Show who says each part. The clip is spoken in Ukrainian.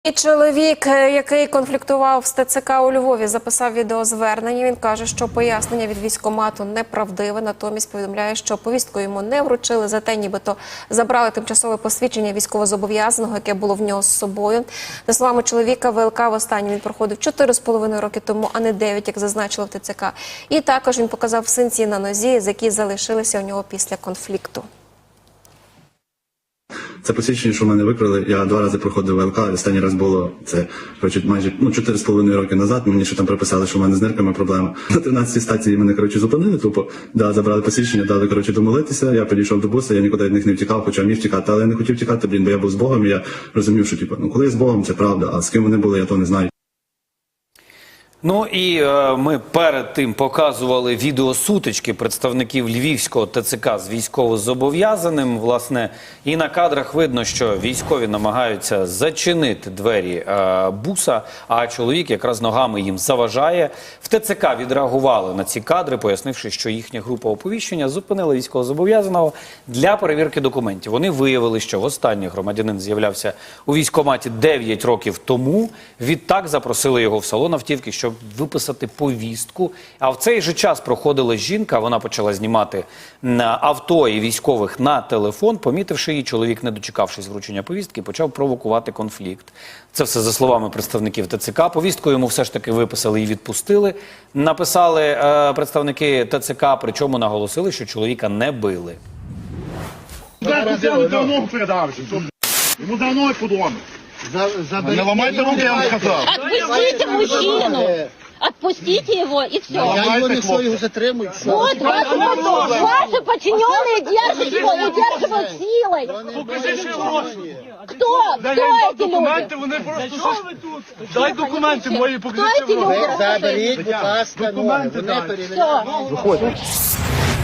Speaker 1: І чоловік, який конфліктував з ТЦК у Львові, записав відеозвернення. Він каже, що пояснення від військкомату неправдиве. Натомість повідомляє, що повістку йому не вручили, зате нібито забрали тимчасове посвідчення військовозобов'язаного, яке було в нього з собою. За словами чоловіка, ВЛК востаннє він проходив 4,5 роки тому, а не 9, як зазначило в ТЦК. І також він показав синці на нозі, з які залишилися у нього після конфлікту.
Speaker 2: Це посвідчення, що в мене викрили. Я 2 рази проходив ВЛК, останній раз було це майже 4,5 роки назад. Мені ще там приписали, що в мене з нирками проблема. На 13-й стації мене, зупинили тупо. Забрали посвідчення, дали, домолитися. Я підійшов до буса, я нікуди від них не втікав, хоча міг втікати. Але я не хотів втікати, бо я був з Богом, і я розумів, що, коли я з Богом, це правда, а з ким вони були, я то не знаю.
Speaker 3: Ну і ми перед тим показували відеосутички представників Львівського ТЦК з військовозобов'язаним. Власне, і на кадрах видно, що військові намагаються зачинити двері буса, а чоловік якраз ногами їм заважає. В ТЦК відреагували на ці кадри, пояснивши, що їхня група оповіщення зупинила військовозобов'язаного для перевірки документів. Вони виявили, що востаннє громадянин з'являвся у військкоматі 9 років тому. Відтак запросили його в салон автівки, щоб виписати повістку. А в цей же час проходила жінка, вона почала знімати авто і військових на телефон. Помітивши її, чоловік, не дочекавшись вручення повістки, почав провокувати конфлікт. Це все за словами представників ТЦК. Повістку йому все ж таки виписали і відпустили. Написали представники ТЦК, причому наголосили, що чоловіка не били.
Speaker 4: Ему давно подумал.
Speaker 5: Не ломайте руки, я вам сказал.
Speaker 6: Отпустите мужчину! Отпустите его и все.
Speaker 5: Я его не стою, затримують.
Speaker 6: Вот, ваши подчиненные держат его, удерживают силой. Кто? Кто эти люди?
Speaker 4: Вони просто що ви тут? Дай документи мої,
Speaker 6: Кто эти люди?
Speaker 5: Заберіть, будь ласка, ноги. Вони перевіряють.
Speaker 6: Все.